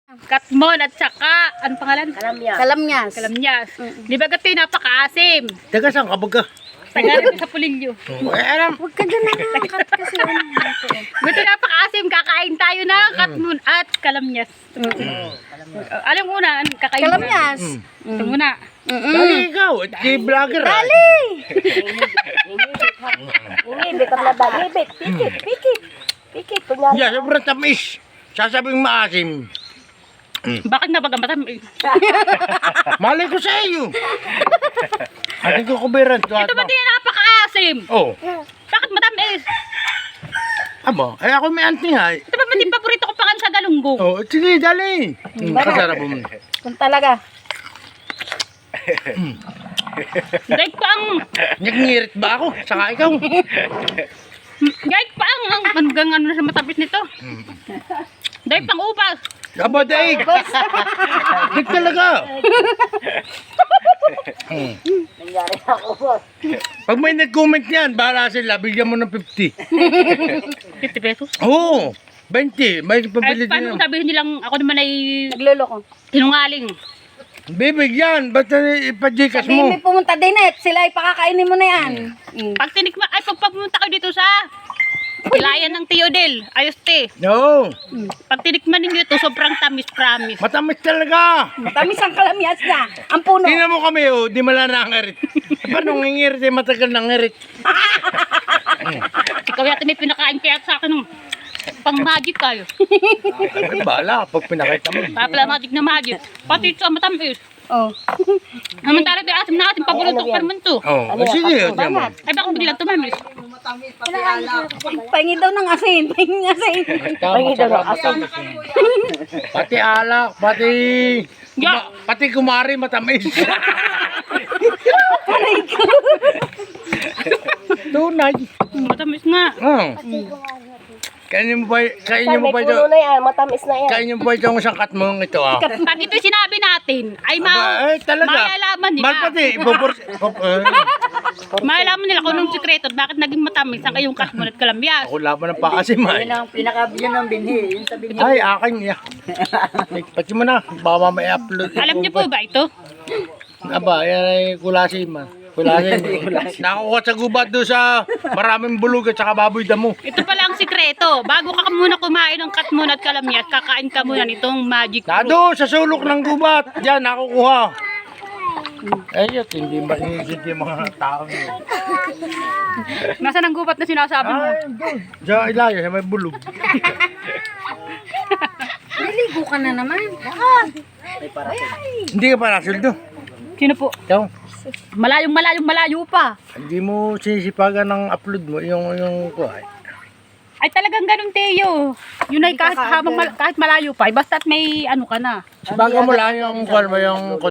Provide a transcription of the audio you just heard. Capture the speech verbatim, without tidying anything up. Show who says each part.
Speaker 1: Katmon at saka, ano pangalan?
Speaker 2: Kalamyas.
Speaker 3: Kalamyas.
Speaker 1: Kalamyas. Di ba gato yung napakaasim?
Speaker 4: Taga saan ka baga?
Speaker 1: Taga rin sa Pulilyo.
Speaker 4: Eh, alam.
Speaker 3: Huwag ka dyan nangangkat kasi ano.
Speaker 1: Gato yung napakaasim, kakain tayo ng katmon at kalamyas. Uh, alam mo na, ano, kakain mo na.
Speaker 3: Kalamyas.
Speaker 1: Ito muna.
Speaker 4: Dali ikaw, at kay vlogger ah.
Speaker 3: Dali!
Speaker 2: Ingibit ang labag. Ingibit. Pikit. Pikit. Pikit. Kunyari.
Speaker 4: Yeah, sobrang tamis. Sasabing maasim.
Speaker 1: Bakit nga baga matamis?
Speaker 4: Malay ko sa iyo. Ating ko kubiran.
Speaker 1: Ito ba din napakaasim?
Speaker 4: Oh.
Speaker 1: Bakit matamis?
Speaker 4: Aba, ay ako may anting ha.
Speaker 1: Ito ba din paborito ko pangan sa galunggong?
Speaker 4: Oh, sige, dali. Hmm, kasarap mo.
Speaker 3: Kung talaga.
Speaker 1: Dahil pa ang,
Speaker 4: Nagngirit ba ako? Saka ikaw.
Speaker 1: dahil pa ang, ang hanggang ano na sa matamis nito. Dahil pang upas.
Speaker 4: Aba, daig. Daig talaga. Hmm.
Speaker 2: Nangyari ako, boss.
Speaker 4: Pag may nag-comment yan, bahala sila, bigyan mo ng fifty.
Speaker 1: fifty pesos.
Speaker 4: Oo, twenty. May
Speaker 1: Ay,
Speaker 4: pabili
Speaker 1: paano
Speaker 4: din.
Speaker 1: kung sabihin nilang ako naman ay
Speaker 3: Nagluloko.
Speaker 1: sinungaling?
Speaker 4: Bibigyan, ba't ipa-gcash
Speaker 3: Sabihin
Speaker 4: mo?
Speaker 3: may pumunta din eh. Sila ay pakakainin mo na yan. Mm.
Speaker 1: Pag tinikma, ay pag pumunta kayo dito sa Pilayan ng Teodel, ayos te.
Speaker 4: No,
Speaker 1: Pag tinikman ninyo ito, sobrang tamis, promise.
Speaker 4: matamis talaga.
Speaker 3: Matamis ang kalamyas niya. Ang puno.
Speaker 4: Tingnan mo kami, oh, di mala nangirit. Paano ngingirit, eh, matagal nangirit.
Speaker 1: Ikaw yata may pinakain kaya sa akin ng pang magic kayo.
Speaker 4: Ay, bala, pag pinakita mo.
Speaker 1: Papala magic na magic. Pati ito ang matamis.
Speaker 3: Oh.
Speaker 1: Naman tara ito asim na ating paborito ko man to.
Speaker 4: Oh, oh sige, tiyan mo.
Speaker 1: Ay bakit biglang tumamis?
Speaker 3: Pahingi daw ng asin. Pahingi ng asin.
Speaker 2: Pahingi daw ng asin.
Speaker 4: Pati alak, pati...
Speaker 1: Ya.
Speaker 4: Kuma- pati kumari matamis. Tunay.
Speaker 1: Matamis nga.
Speaker 4: Oh. Kainin mo ba, kainin mo ba ito?
Speaker 2: Puno na yan. Matamis na yan.
Speaker 4: Kainin mo ba ito ang sangkat mo ito ah?
Speaker 1: Pag ito sinabi natin, ay ma
Speaker 4: Aba, eh, talaga.
Speaker 1: malalaman nila.
Speaker 4: Malpati, ibubur... Oh, eh.
Speaker 1: Malalaman nila kung anong sikreto at bakit naging matamis ang kayong katmon at kalamyas.
Speaker 4: Ako laban ng paasim ay.
Speaker 2: ang pinakabigyan ng binhi. Yun sa binhi.
Speaker 4: Ay, akin niya. Ay, pati mo na, baka may upload.
Speaker 1: Alam niyo po ba ito?
Speaker 4: Aba, yan ay kulasim ah. Kulasim. Nakukuha sa gubat doon sa maraming bulog at saka baboy damo.
Speaker 1: Ito pala ang sikreto. Bago ka muna kumain ng katmon at kalamyas, kakain ka muna nitong magic fruit.
Speaker 4: Nado, sa sulok ng gubat. Diyan, nakukuha. Ayot, hindi ba inisip yung mga tao niya?
Speaker 1: Nasaan ang gubat na sinasabi mo?
Speaker 4: Ay, doon. Diyan, ilayo, sa may bulog.
Speaker 3: Naligo ka na naman.
Speaker 4: Hindi ka pa nasuldo.
Speaker 1: Sino po?
Speaker 4: Ikaw,
Speaker 1: Malayong malayong malayo pa.
Speaker 4: hindi mo sinisipagan ng upload mo, yung, yung, kuhay.
Speaker 1: Ay talagang ganun Teo. Yun ay kahit, habang mal- kahit malayo pa, ay basta't may ano ka na.
Speaker 4: Sipagan mo lang yung, kuhay mo yung